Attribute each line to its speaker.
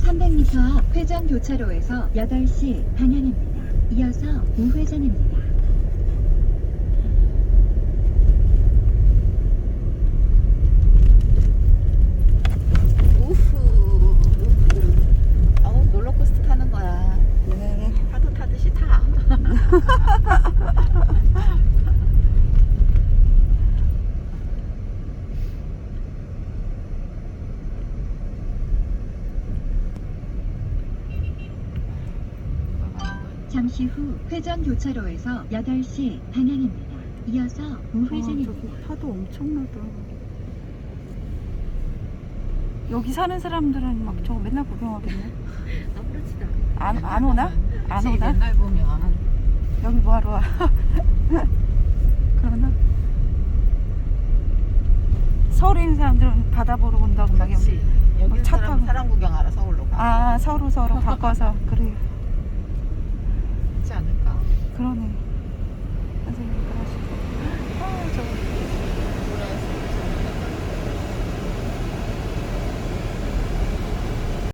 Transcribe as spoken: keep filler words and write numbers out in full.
Speaker 1: 삼백 미터 앞 회전 교차로에서 여덟 시 방향입니다. 이어서 우회전입니다.
Speaker 2: 우후. 어우, 롤러코스터 타는 거야.
Speaker 3: 네.
Speaker 2: 파도 타듯이 타.
Speaker 1: 잠시 후 회전 교차로에서 여덟 시 방향입니다. 이어서
Speaker 3: 아,
Speaker 1: 우회전입니다.
Speaker 3: 저기 파도 엄청나다. 여기 사는 사람들은 막 저거 맨날 구경하겠네.
Speaker 2: 아무렇지도
Speaker 3: 안, 안 오나? 안 오나?
Speaker 2: 맨날 보면.
Speaker 3: 여기 뭐하러 와? 그러나? 서울에 있는 사람들은 바다 보러 온다고 막
Speaker 2: 그렇지.
Speaker 3: 여기
Speaker 2: 여기
Speaker 3: 차
Speaker 2: 사람,
Speaker 3: 타고.
Speaker 2: 사람 구경하러 서울로 가.
Speaker 3: 아, 서로 서로 바꿔서 그래.
Speaker 2: 그렇지 않을까?
Speaker 3: 그러네.